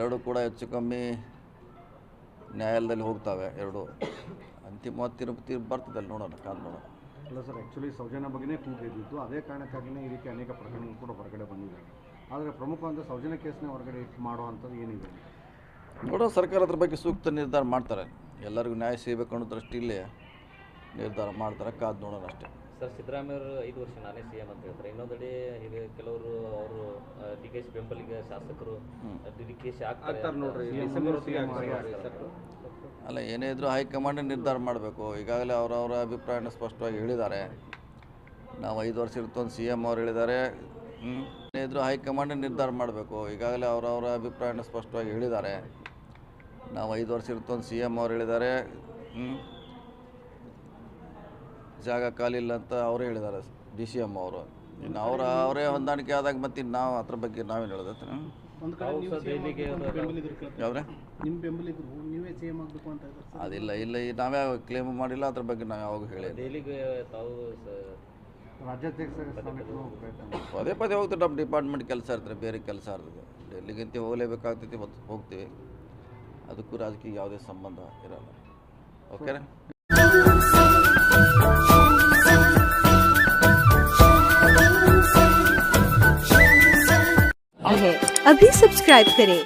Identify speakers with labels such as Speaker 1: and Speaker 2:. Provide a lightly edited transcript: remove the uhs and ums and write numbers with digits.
Speaker 1: ಎರಡು ಕೂಡ ಹೆಚ್ಚು ಕಮ್ಮಿ ನ್ಯಾಯಾಲಯದಲ್ಲಿ ಹೋಗ್ತವೆ ಎರಡು. ಅಂತಿಮವಾದ ತೀರ್ಪು ಬರ್ತದೆ, ನೋಡೋಣ, ಕಾದು ನೋಡೋಣ.
Speaker 2: ಅಲ್ಲ ಸರ್, ಆ್ಯಕ್ಚುಲಿ ಸೌಜನ್ಯ ಬಗ್ಗೆನೇ ಕೂಗಿದ್ದು, ಅದೇ ಕಾರಣಕ್ಕಾಗಿಯೇ ಈ ರೀತಿ ಅನೇಕ ಪ್ರಕರಣಗಳು ಕೂಡ ಹೊರಗಡೆ ಬಂದಿದ್ದಾವೆ. ಆದರೆ ಪ್ರಮುಖವಾದ ಸೌಜನ್ಯ ಕೇಸ್ನೇ ಹೊರಗಡೆ ಮಾಡುವಂಥದ್ದು ಏನಿದೆ
Speaker 1: ನೋಡೋ, ಸರ್ಕಾರ ಅದ್ರ ಬಗ್ಗೆ ಸೂಕ್ತ ನಿರ್ಧಾರ ಮಾಡ್ತಾರೆ. ಎಲ್ಲರಿಗೂ ನ್ಯಾಯ ಸಿಗಬೇಕು ಅನ್ನೋ ದೃಷ್ಟಿಯಲ್ಲಿ ನಿರ್ಧಾರ ಮಾಡ್ತಾರೆ, ಕಾದು ನೋಡೋಣ ಅಷ್ಟೇ.
Speaker 3: ಸರ್, ಸಿದ್ದರಾಮಯ್ಯ ಅವರು 5 ವರ್ಷ ನಾನೇ CM ಅಂತ ಹೇಳ್ತಾರೆ. ಇನ್ನೊಂದೆಡೆ ಈಗ ಕೆಲವರು ಅವರು DKಶಿ ಬೆಂಬಲಿಗ ಶಾಸಕರು DKಶಿ ಆಗ್ತಾರೆ ನೋಡ್ರಿ.
Speaker 1: ಅಲ್ಲ, ಏನೇ ಇದ್ರೂ ಹೈಕಮಾಂಡ್ ನಿರ್ಧಾರ ಮಾಡಬೇಕು. ಈಗಾಗಲೇ ಅವರವರ ಅಭಿಪ್ರಾಯನ ಸ್ಪಷ್ಟವಾಗಿ ಹೇಳಿದ್ದಾರೆ. ನಾವು 5 ವರ್ಷ ಇರ್ತೊಂದು CM ಅವ್ರು ಹೇಳಿದ್ದಾರೆ. ಏನೇ ಇದ್ರೂ ಹೈಕಮಾಂಡ್ ನಿರ್ಧಾರ ಮಾಡಬೇಕು. ಈಗಾಗಲೇ ಅವರವರ ಅಭಿಪ್ರಾಯನ ಸ್ಪಷ್ಟವಾಗಿ ಹೇಳಿದ್ದಾರೆ. ನಾವು 5 ವರ್ಷ ಇರ್ತೊಂದು CM ಅವ್ರು ಹೇಳಿದ್ದಾರೆ. ಜಾಗ ಖಾಲಿ ಇಲ್ಲ ಅಂತ ಅವರೇ ಹೇಳಿದ್ದಾರೆ, DCM ಅವರು. ಇನ್ನು ಅವರೇ ಹೊಂದಾಣಿಕೆ ಆದಾಗ ಮತ್ತೆ ನಾವು ಅದ್ರ ಬಗ್ಗೆ ನಾವೇನು ಹೇಳೋದು? ಯಾವ್ರೆ ಅದಿಲ್ಲ, ಇಲ್ಲ, ನಾವೇ ಕ್ಲೇಮ್ ಮಾಡಿಲ್ಲ, ಅದ್ರ ಬಗ್ಗೆ ನಾವು ಯಾವಾಗ ಹೇಳಿದ್ವಿ. ಪದೇ ಪದೇ ಹೋಗ್ತೀವಿ, ನಮ್ಮ ಡಿಪಾರ್ಟ್ಮೆಂಟ್ ಕೆಲಸ ಇರ್ತದೆ, ಬೇರೆ ಕೆಲಸ ಇರ್ತದೆ. ಡೆಲ್ಲಿಗಿಂತ ಹೋಗಲೇಬೇಕಾಗ್ತೈತಿ, ಹೋಗ್ತೀವಿ. ಅದಕ್ಕೂ ರಾಜಕೀಯ ಯಾವುದೇ ಸಂಬಂಧ ಇರಲ್ಲ. ಓಕೆನಾ?
Speaker 4: अभी सब्सक्राइब करें